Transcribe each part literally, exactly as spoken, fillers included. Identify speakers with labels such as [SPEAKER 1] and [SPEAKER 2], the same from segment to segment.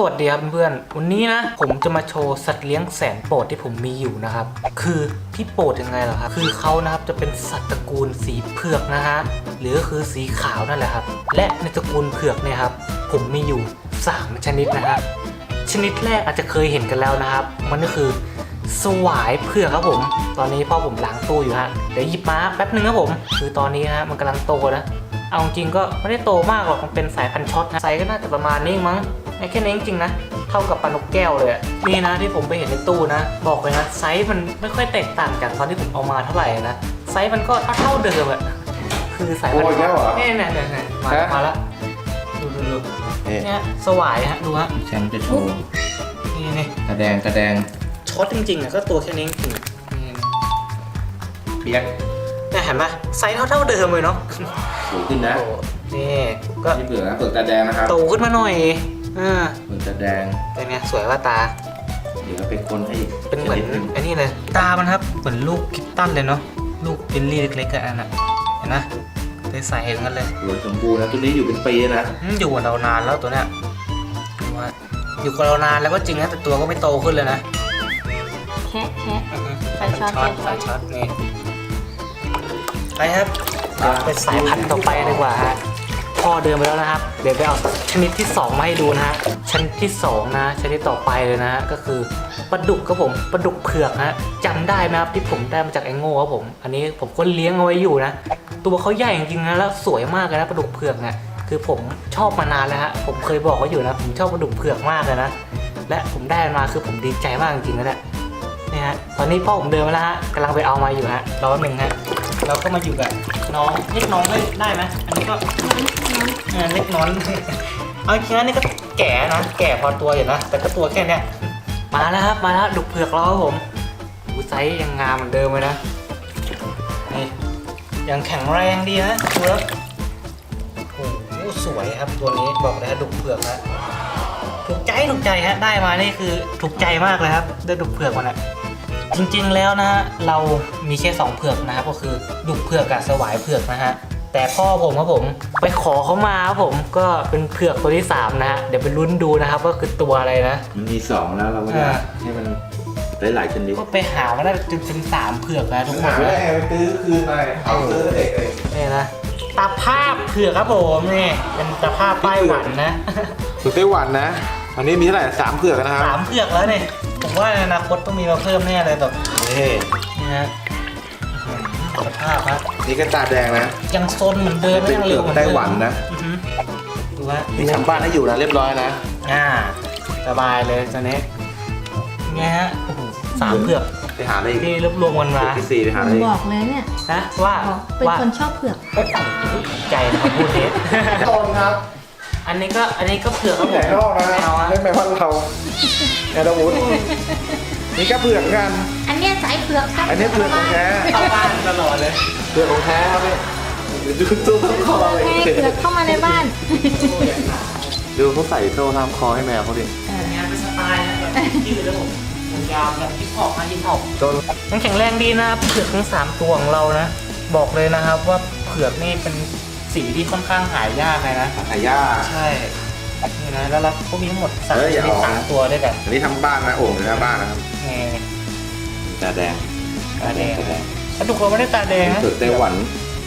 [SPEAKER 1] วัสดีครับเพื่อนๆวันนี้นะผมจะมาโชว์สัตว์เลี้ยงแสนโปรดที่ผมมีอยู่นะครับคือที่โปรดยังไงเหรอครับคือเขานะครับจะเป็นสัตว์ตระกูลสีเผือกนะฮะหรือคือสีขาวนั่นแหละครับและในตระกูลเผือกเนี่ยครับผมมีอยู่สามชนิดนะฮะชนิดแรกอาจจะเคยเห็นกันแล้วนะครับมันก็คือสวายเผือกครับผมตอนนี้พ่อผมล้างตู้อยู่ฮะเดี๋ยวหยิบมาแป๊บนึงครับผมคือตอนนี้ฮะมันกำลังโตนะเอาจริงก็ไม่ได้โตมากหรอกมันเป็นสายพันธุ์ช็อตนะไซส์ก็น่าจะประมาณนี้มั้งแค่นี้จริงๆนะเท่ากับปลานกแก้วเลยนี่นะที่ผมไปเห็นในตู้นะบอกเลยนะไซส์มันไม่ค่อยแตกต่างจากตอนที่ผมเอามาเท่าไหร่นะไซส์มันก็เท่าเดิมอะคือสายพันธุ์นี่เนี่ยเนี่ยมามาแล้วดูดูดูเนี่ยสวายฮะดูฮะ
[SPEAKER 2] แชมป์จะโชว์
[SPEAKER 1] นี่นี่
[SPEAKER 2] กระแดงกระแดง
[SPEAKER 1] ช็อตจริงๆอ่ะก็ตัวแค่นี้จริง
[SPEAKER 2] เปียก
[SPEAKER 1] เนี่ยเห็นไหมไซส์เท่าเท่าเดิมเลยเนาะ
[SPEAKER 2] สูงขึ้นนะ
[SPEAKER 1] นี่ก็
[SPEAKER 2] นี่เผือกนะเผือกตาแดงนะครับ
[SPEAKER 1] โตขึ้นมาหน่อยอ่า
[SPEAKER 2] เผือกตาแดง
[SPEAKER 1] เป็นไงสวยว่าตา
[SPEAKER 2] เดี๋ยวเป็นคนให้
[SPEAKER 1] เป็นเหมือนไอ้นี่เลยตามันครับเหมือนลูกคิตตันเลยเนาะลูกบิลลี่เล็กๆกันอ่ะเห็นไหมใสๆเห็นกันเลย
[SPEAKER 2] สวยสมบูรณ์นะตัวนี้อยู่เป็นปีนะ
[SPEAKER 1] อยู่กับเรานานแล้วตัวเนี้ยว่าอยู่กับเรานานแล้วก็จริงนะแต่ตัวก็ไม่โตขึ้นเลยนะ
[SPEAKER 3] แคะแคะใส่ช็อต
[SPEAKER 1] ใส่ช็อตนี่ไปครับเดี๋ยวไปสายพันธุ์ต่อไปดีกว่าฮะพ่อเดินไปแล้วนะครับเดี๋ยวไปเอาชนิดที่สองมาให้ดูนะฮะชนิดที่สองนะชนิดต่อไปเลยนะฮะก็คือปลาดุกครับผมปลาดุกเผือกฮะจำได้ไหมครับที่ผมได้มาจากไอ้โง่ครับผมอันนี้ผมก็เลี้ยงเอาไว้อยู่นะตัวเขาใหญ่จริงๆนะแล้วสวยมากเลยนะปลาดุกเผือกเนี่ยคือผมชอบมานานแล้วฮะผมเคยบอกเขาอยู่นะผมชอบปลาดุกเผือกมากเลยนะและผมได้มาคือผมดีใจมากจริงๆนะเนี่ยนี่ฮะตอนนี้พ่อผมเดินมาแล้วฮะกำลังไปเอามาอยู่ฮะรอแป๊บนึงฮะเราก็มาอยู่กับน้องเล็กน้องได้ไหมอันนี้ก็เล็กน้องเอาจริงๆนี่ก็แก่นะแก่พอตัวอยู่นะแต่ก็ตัวแค่นี้มาแล้วครับมาแล้วดุกเผือกเราครับผมดูไซส์ยังงามเหมือนเดิมเลยนะนี่ยังแข็งแรงดีนะดูแล้วโอ้โหสวยครับตัวนี้บอกเลยฮะดุกเผือกนะถูกใจถูกใจฮะได้มานี่คือถูกใจมากเลยครับได้ดุกเผือกมานะจริงๆแล้วนะเรามีแค่สองเผือกนะครับก็คือดุกเผือกกับสวายเผือกนะฮะแต่พ่อผมครับผมไปขอเขามาครับผมก็เป็นเผือกตัวที่สามนะฮะเดี๋ยวไปลุ้นดูนะครับว่าคือตัวอะไรนะ
[SPEAKER 2] มันมีสองแล้วเราก็ได้ให้มันได้หลายชนิด
[SPEAKER 1] ก็ไปหามาได้จนเป็นสามเผือกแล้วทุกคน
[SPEAKER 2] ไม่ได้ไปซื้อคืนไปเอาซื้อเด็กเลย
[SPEAKER 1] นี่นะตาภาพเผือกครับผมนี่เป็นตาภาพไต้หวันนะ
[SPEAKER 2] สุดไต้หวันนะอันนี้มีเท่าไหร่สามเผือกนะครับ
[SPEAKER 1] สามเผือกแล้วเนี่ยผมว่าในอนาคตต้องมีมาเพิ่มแน่เลยแบบ
[SPEAKER 2] นี่
[SPEAKER 1] นี่ฮะสภาพครับ
[SPEAKER 2] นี่ก็ตาแดงนะ
[SPEAKER 1] ยังซนเหมือนเดิม
[SPEAKER 2] ยังเร็วเหมือนไต้หวันนะ
[SPEAKER 1] ดูว่า
[SPEAKER 2] นี่ทำบ้านให้อยู่นะเรียบร้อยนะ
[SPEAKER 1] อ่าสบายเลยตอนนี้ไงฮะสามเผือก
[SPEAKER 2] ไปหาอะไร
[SPEAKER 1] ที่รวบรวมกันมา
[SPEAKER 2] ที่สี่ไปหาอะไร
[SPEAKER 3] บอกเลยเนี่ย
[SPEAKER 1] นะว่า
[SPEAKER 3] เป็นคนชอบเผือก
[SPEAKER 1] ใจนะครับพูดเด็ด
[SPEAKER 2] ต้นครับ
[SPEAKER 1] อันนี้ก็อันนี้ก็เผือกครับผม
[SPEAKER 2] ไม่เอาไม่ไม่ว่าเราแอดวูดนี่ก็เผือกกัน
[SPEAKER 3] อันนี้สายเผือก
[SPEAKER 2] อันนี้เผือกของแท้
[SPEAKER 1] เข้าบ้านตลอดเลย
[SPEAKER 2] เผือกของแท้ครับพี่ดูตู้คอเลย
[SPEAKER 3] เผือกเข้ามาในบ้าน
[SPEAKER 2] ดูเขาใส่โซ่ทำคอให้แมวเขาดิ
[SPEAKER 1] งานเป็นสไตล์นะแบบยืดแล้วผมผมยาวแบบฮิปฮอปมาฮิปฮอปยังแข็งแรงดีนะเผือกทั้งสามตัวของเรานะบอกเลยนะครับว่าเผือกนี่เป็นสีที่ค่อนข้างหายากเลยนะ
[SPEAKER 2] หายาก
[SPEAKER 1] ใช่นี่นะแล้วเราก็มีทั้งหมดสามมีสามตัวด้วยกัน
[SPEAKER 2] อันนี้ทำบ้านนะโอ่งหรือหน้าบ้านนะครับ
[SPEAKER 1] นี่
[SPEAKER 2] ตาแดง
[SPEAKER 1] ตาแดงถ้าทุกคนไม่ได้ตาแดงนะ
[SPEAKER 2] เผือกไต้หวัน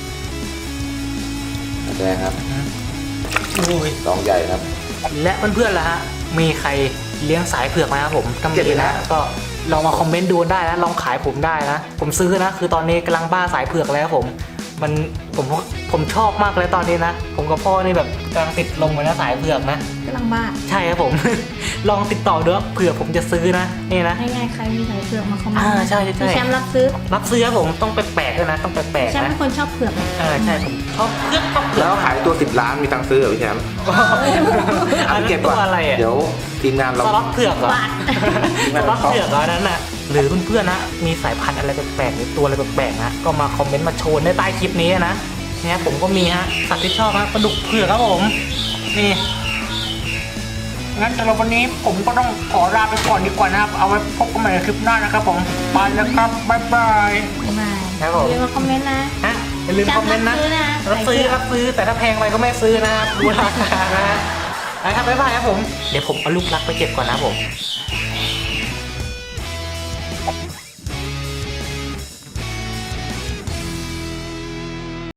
[SPEAKER 2] ตาแดงครับสองใหญ่ครับ
[SPEAKER 1] และเพื่อนๆล่ะฮะมีใครเลี้ยงสายเผือกไหมครับผมทำดีนะก็ลองมาคอมเมนต์ดูได้นะลองขายผมได้นะผมซื้อนะคือตอนนี้กำลังบ้าสายเผือกแล้วผมมันผมผมชอบมากเลยตอนนี้นะผมกับพ่อนี่แบบกำลังติดลงไปนะสายเผือกนะ
[SPEAKER 3] กำลังบ้า
[SPEAKER 1] ใช่ครับผม ลองติดต่อดูเผื่อผมจะซื้อนะนี่นะ
[SPEAKER 3] ง่ายๆใครมีสายเผือกมาคอมเมนต์
[SPEAKER 1] อ่าใช่ใช่
[SPEAKER 3] แชมป์รับซื้อ
[SPEAKER 1] รับซื้อครับผมต้องแปลกๆด้วยนะต้องแปลกๆนะ
[SPEAKER 3] แชมป์เป็นคนชอบเผือก
[SPEAKER 1] อ่าใช่ผมชอบเผือกชอบเผือก
[SPEAKER 2] แล้วขายตัวสิบล้านมีตังค์ซื้อเหรอพี่แชมป์
[SPEAKER 1] อันเก็บตัวอะไรอ่ะ
[SPEAKER 2] เดี๋ยวทีมงานเรา
[SPEAKER 1] สล็อตเผือกเหรอสล็อตเผือกเหรอนั้นน่ะหรือเพื่อนๆนะมีสายพันธุ์อะไรแปลกๆหรือตัวอะไรแปลกๆนะก็มาคอมเมนต์มาโชว์ในใต้คลิปนี้นะเนี่ยผมก็มีฮะสัตว์ที่ชอบฮะปลาดุกเผือกครับผมนี่งั้นสำหรับวันนี้ผมก็ต้องขอลาไปก่อนดีกว่านะครับเอาไว้พบกันใหม่ในคลิปหน้านะครับผมไปแล้วครับบ๊ายบาย
[SPEAKER 3] ครับผมอย่าลืมมาคอมเมนต์นะ
[SPEAKER 1] ฮะอย่าลืมคอมเมนต์นะรับซื้อรับซื้อแต่ถ้าแพงไปก็ไม่ซื้อนะครับดูราคานะไปครับบ๊ายบายครับผมเดี๋ยวผมเอาลูกรักไปเก็บก่อนนะครับผม